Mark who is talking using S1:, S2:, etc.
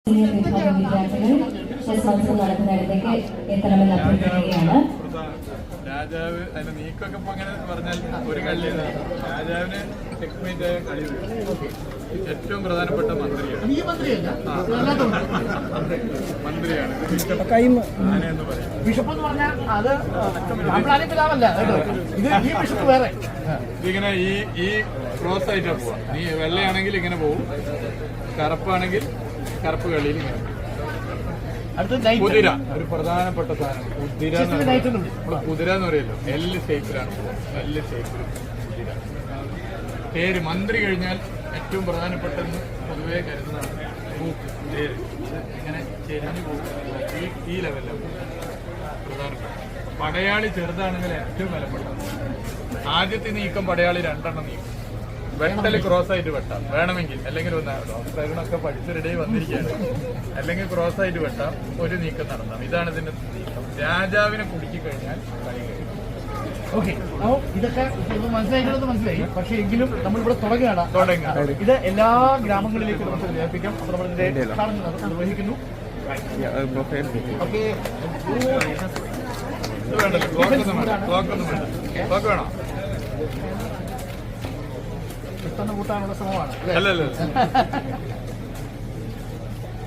S1: വിഭാഗം വിദ്യാർത്ഥികൾ ചെസ് മത്സരം നടക്കുന്നിടത്തേക്ക് എത്തണമെന്ന് അഭ്യർത്ഥിക്കുകയാണ്.
S2: രാജാവ് അതിന്റെ നീക്കൊക്കെ ഇപ്പൊ അങ്ങനെ പറഞ്ഞാൽ ഒരു കളിയാണ്. രാജാവിന് ചെക്ക്മേറ്റ് ആയ കളി ഏറ്റവും പ്രധാനപ്പെട്ട മന്ത്രിയാണ്. മന്ത്രിയാണ് ആനയെന്ന് പറയും.
S3: ബിഷപ്പ് എന്ന് പറഞ്ഞാൽ അത് പിതാവല്ല, ഈ ബിഷപ്പ് വേറെ.
S2: ഇതിങ്ങനെ ഈ ക്രോസ് ആയിട്ടാ പോവാ. നീ വെള്ളയാണെങ്കിൽ ഇങ്ങനെ പോവും, കറുപ്പാണെങ്കിൽ കറുപ്പ് കളിയിൽ ഇങ്ങനെ. കുതിര ഒരു പ്രധാനപ്പെട്ട സാധനം. കുതിര കുതിര എന്ന് പറയല്ലോ, എല്ല് ഷേപ്പിലാണ് പോവുക. എല്ല് ഷേപ്പിൽ കുതിര. പേര് മന്ത്രി കഴിഞ്ഞാൽ ഏറ്റവും പ്രധാനപ്പെട്ടെന്ന് പൊതുവെ കരുതുന്നതാണ് മൂക്ക്, പേര്. ഇങ്ങനെ ചെരിഞ്ഞു പോകും, ഈ ലെവലിലാണ് പ്രധാനപ്പെട്ട. പടയാളി ചെറുതാണെങ്കിൽ ഏറ്റവും വിലപ്പെട്ടത്. ആദ്യത്തെ നീക്കം പടയാളി 2 എണ്ണം നീക്കും. വെട്ടല് ക്രോസ് ആയിട്ട് വെട്ടാം വേണമെങ്കിൽ, അല്ലെങ്കിൽ ഡോക്ടറിനൊക്കെ പഠിച്ചൊരിടയിൽ വന്നിരിക്കുകയാണ്. അല്ലെങ്കിൽ ക്രോസ് ആയിട്ട് വെട്ടാം, ഒരു നീക്കം നടത്താം. ഇതാണ് ഇതിന്റെ നീക്കം. രാജാവിനെ കുടുക്കി കഴിഞ്ഞാൽ കളി കഴിയും.
S3: ഓക്കെ, ഇതൊക്കെ മനസ്സിലായിട്ടുള്ളത് മനസ്സിലായി. പക്ഷെ എങ്കിലും നമ്മളിവിടെ തുടങ്ങുകയാണ്. ഇത് എല്ലാ ഗ്രാമങ്ങളിലേക്കും നമുക്ക് വ്യാപിപ്പിക്കാം. അപ്പോൾ നമ്മളിതിന്റെ നിർവഹിക്കുന്നു. ഓക്കെ,
S2: വേണ്ടല്ലോ, ക്ലോക്കൊന്നും വേണ്ട. ക്ലോക്ക് വേണോ?
S3: പെട്ടെന്ന് കൂട്ടാനുള്ള ശ്രമമാണ്.
S2: അല്ലല്ലോ.